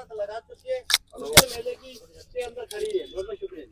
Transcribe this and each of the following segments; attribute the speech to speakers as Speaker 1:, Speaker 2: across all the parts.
Speaker 1: हाथ लगा चुकी है, उसके मेले की के अंदर खड़ी है। बहुत बहुत शुक्रिया।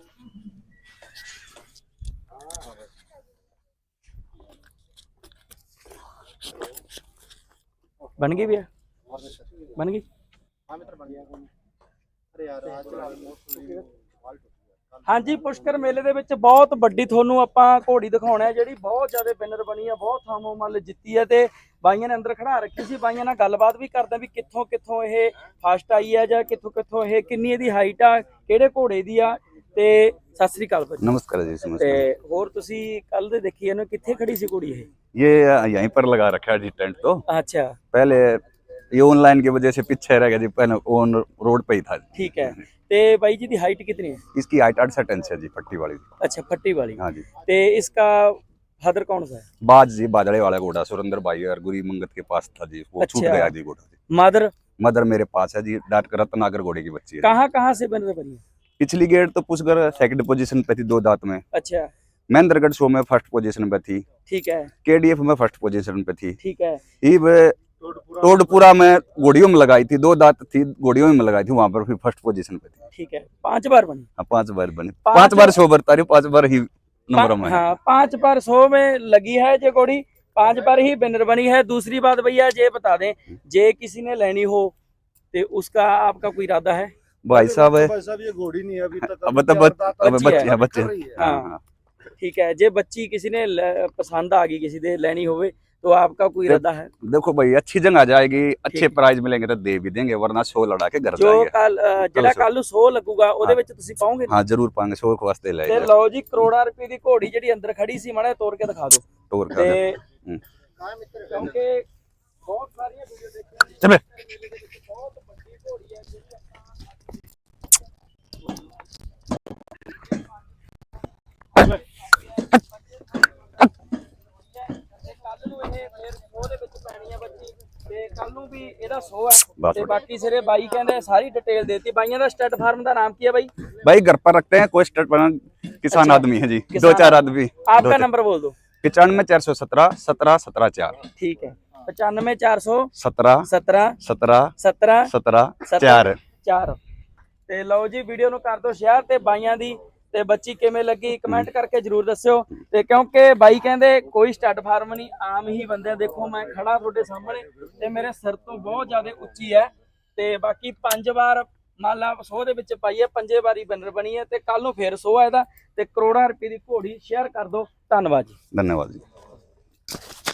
Speaker 2: बन गई भैया, बन गई।
Speaker 1: हाँ मित्र बन गया। अरे यार आज
Speaker 2: ਹਾਂਜੀ ਪੁਸ਼ਕਰ ਮੇਲੇ ਦੇ ਵਿੱਚ ਬਹੁਤ ਵੱਡੀ ਤੁਹਾਨੂੰ ਆਪਾਂ ਘੋੜੀ ਦਿਖਾਉਣਾ ਹੈ ਜਿਹੜੀ ਬਹੁਤ ਜ਼ਿਆਦਾ ਵਿਨਰ ਬਣੀ ਆ, ਬਹੁਤ ਥਾਮੋਂ ਮੱਲ ਜਿੱਤੀ ਹੈ ਤੇ ਬਾਈਆਂ ਨੇ ਅੰਦਰ ਖੜਾ ਰੱਖੀ ਸੀ। ਬਾਈਆਂ ਨਾਲ ਗੱਲਬਾਤ ਵੀ ਕਰਦੇ ਵੀ ਕਿੱਥੋਂ ਕਿੱਥੋਂ ਇਹ ਫਸਟ ਆਈ ਆ ਜਾਂ ਕਿੱਥੋਂ ਕਿੱਥੋਂ ਇਹ ਕਿੰਨੀ ਇਹਦੀ ਹਾਈਟ ਆ, ਕਿਹੜੇ ਘੋੜੇ ਦੀ ਆ। ਤੇ ਸਤਿ ਸ੍ਰੀ ਅਕਾਲ ਭਾਜੀ।
Speaker 3: नमस्कार जी,
Speaker 2: ਤੇ
Speaker 3: नमस्कार।
Speaker 2: ਹੋਰ ਤੁਸੀਂ ਕੱਲ ਦੇ ਦੇਖੀ ਇਹਨੂੰ ਕਿੱਥੇ ਖੜੀ ਸੀ ਘੋੜੀ ਇਹ?
Speaker 3: ये यहीं पर लगा रखा है जी टेंट। तो
Speaker 2: ਅੱਛਾ
Speaker 3: पहले ये ऑनलाइन की वजह से पीछे रह गया जी, पहले ऑन रोड पे ही था।
Speaker 2: ठीक है। ਤੇ ਬਾਈ ਜੀ ਦੀ ਹਾਈਟ कितनी है?
Speaker 3: इसकी हाइट 68 इंच है जी, पट्टी वाली।
Speaker 2: अच्छा फट्टी वाली।
Speaker 3: हाँ जी।
Speaker 2: ਤੇ इसका फादर कौन सा है?
Speaker 3: बाज जी, बाजड़े वाला घोड़ा सुरेंद्र भाई और गुरी मंगत के पास था जी, वो छूट
Speaker 2: अच्छा।
Speaker 3: गया जी घोड़ा जी।
Speaker 2: मदर
Speaker 3: मदर मेरे पास है जी, डाट कर रत्नागर घोड़े की बच्ची है।
Speaker 2: कहाँ कहाँ से बन बनी है?
Speaker 3: पिछली गेट तो पुष्कर सेकंड पोजीशन पे थी 2 दांत में।
Speaker 2: अच्छा
Speaker 3: महेंद्रगढ़ शो में फर्स्ट पोजीशन पे थी।
Speaker 2: ठीक है।
Speaker 3: KDF में फर्स्ट पोजीशन पे थी।
Speaker 2: ठीक है।
Speaker 3: ये टोडपुरा में घोड़ियों में लगाई थी, 2 दांत थी, घोड़ियों में लगाई थी, वहां पर फिर फर्स्ट पोजीशन पे थी।
Speaker 2: ठीक है। 5 बार बनी।
Speaker 3: हाँ, 5 बार बनी,
Speaker 2: पांच
Speaker 3: 5 बार शो बरता रही, 5 बार ही नंबर में है।
Speaker 2: हाँ 5 बार 100 में लगी है ये घोड़ी, 5 बार ही विनर बनी है। दूसरी बात भैया ये बता दें, जे किसी ने लेनी हो तो उसका आपका कोई इरादा है?
Speaker 3: भाई साहब है,
Speaker 1: भाई साहब ये घोड़ी नहीं है अभी तक।
Speaker 3: अब तो बच्चे बच्चे
Speaker 2: हाँ।
Speaker 3: हाँ।
Speaker 2: ठीक है। जे बच्ची किसी ने पसंद आ गई, किसी ने लेनी होवे तो आपका कोई इरादा है?
Speaker 3: देखो भाई, अच्छी जगह जाएगी, अच्छे
Speaker 2: ठीक।
Speaker 3: प्राइज मिलेंगे तो दे भी देंगे, वरना शो लड़ा के घर
Speaker 2: जो
Speaker 3: जाएंगे।
Speaker 2: कल ਜਿਹੜਾ ਕੱਲ ਨੂੰ 100 ਲੱਗੂਗਾ ਉਹਦੇ ਵਿੱਚ ਤੁਸੀਂ ਪਾਓਗੇ?
Speaker 3: हाँ जरूर पाएंगे, शो के वास्ते
Speaker 2: ਤੇ
Speaker 3: लाएंगे।
Speaker 2: ਲਓ ਜੀ ਕਰੋੜਾਂ ਰੁਪਏ ਦੀ ਘੋੜੀ ਜਿਹੜੀ ਅੰਦਰ ਖੜੀ ਸੀ, ਮਾੜਾ ਤੋੜ ਕੇ ਦਿਖਾ ਦਿਓ।
Speaker 3: टोर का
Speaker 2: ਤੇ
Speaker 3: हम्म।
Speaker 2: ਕਿਉਂਕਿ ਬਹੁਤ ਸਾਰੀਆਂ ਵੀਡੀਓ ਦੇਖੀਆਂ
Speaker 3: चले।
Speaker 2: ਬਹੁਤ ਵੱਡੀ ਘੋੜੀ ਹੈ ਜਿਹੜੀ ਕੱਲ ਨੂੰ ਇਹ ਫਿਰ ਉਹਦੇ ਵਿੱਚ ਪੈਣੀ ਆ ਬੱਚੀ ਤੇ ਕੱਲ ਨੂੰ ਵੀ ਇਹਦਾ 100 ਹੈ
Speaker 3: ਬਸ
Speaker 2: ਤੇ ਬਾਕੀ ਸਿਰੇ ਬਾਈ ਕਹਿੰਦੇ ਸਾਰੀ ਡਿਟੇਲ ਦੇਤੀ। ਬਾਈਆਂ ਦਾ ਸਟੱਡ ਫਾਰਮ ਦਾ ਨਾਮ ਕੀ ਹੈ ਬਾਈ?
Speaker 3: भाई घर पर रखते हैं, कोई स्टेट पर किसान
Speaker 2: अच्छा।
Speaker 3: आदमी है जी,
Speaker 2: किसान
Speaker 3: 2-4 आदमी।
Speaker 2: आपका नंबर बोल दो।
Speaker 3: 95 417 17 17 4।
Speaker 2: ठीक है। 95 417
Speaker 3: 17
Speaker 2: 17
Speaker 3: 17
Speaker 2: 17
Speaker 3: 17
Speaker 2: 17
Speaker 3: 4।
Speaker 2: 4 ਤੇ ਲਓ ਜੀ ਵੀਡੀਓ ਨੂੰ ਕਰ ਦਿਓ ਸ਼ੇਅਰ ਤੇ ਬਾਈਆਂ ਦੀ ਤੇ ਬੱਚੀ ਕਿਵੇਂ ਲੱਗੀ ਕਮੈਂਟ ਕਰਕੇ ਜਰੂਰ ਦੱਸਿਓ। ਤੇ ਕਿਉਂਕਿ ਬਾਈ ਕਹਿੰਦੇ ਕੋਈ ਸਟੱਡ ਫਾਰਮ ਨਹੀਂ, ਆਮ ਹੀ ਬੰਦੇ। ਦੇਖੋ ਮੈਂ ਖੜਾ ਤੁਹਾਡੇ ਸਾਹਮਣੇ ਤੇ ਮੇਰੇ ਸਿਰ ਤੋਂ ਬਹੁਤ ਜ਼ਿਆਦਾ ਉੱਚੀ ਹੈ ਤੇ ਬਾਕੀ 5 ਵਾਰ ਮੰਨ ਲਾ 100 ਦੇ ਵਿੱਚ ਪਾਈ ਹੈ, 5 ਵਾਰੀ ਵਿਨਰ ਬਣੀ ਹੈ ਤੇ ਕੱਲ ਨੂੰ ਫੇਰ 100 ਹੈ ਇਹਦਾ ਤੇ ਕਰੋੜਾਂ ਰੁਪਏ ਦੀ ਘੋੜੀ। ਸ਼ੇਅਰ ਕਰ ਦਿਓ। ਧੰਨਵਾਦ ਜੀ।
Speaker 3: धन्यवाद जी।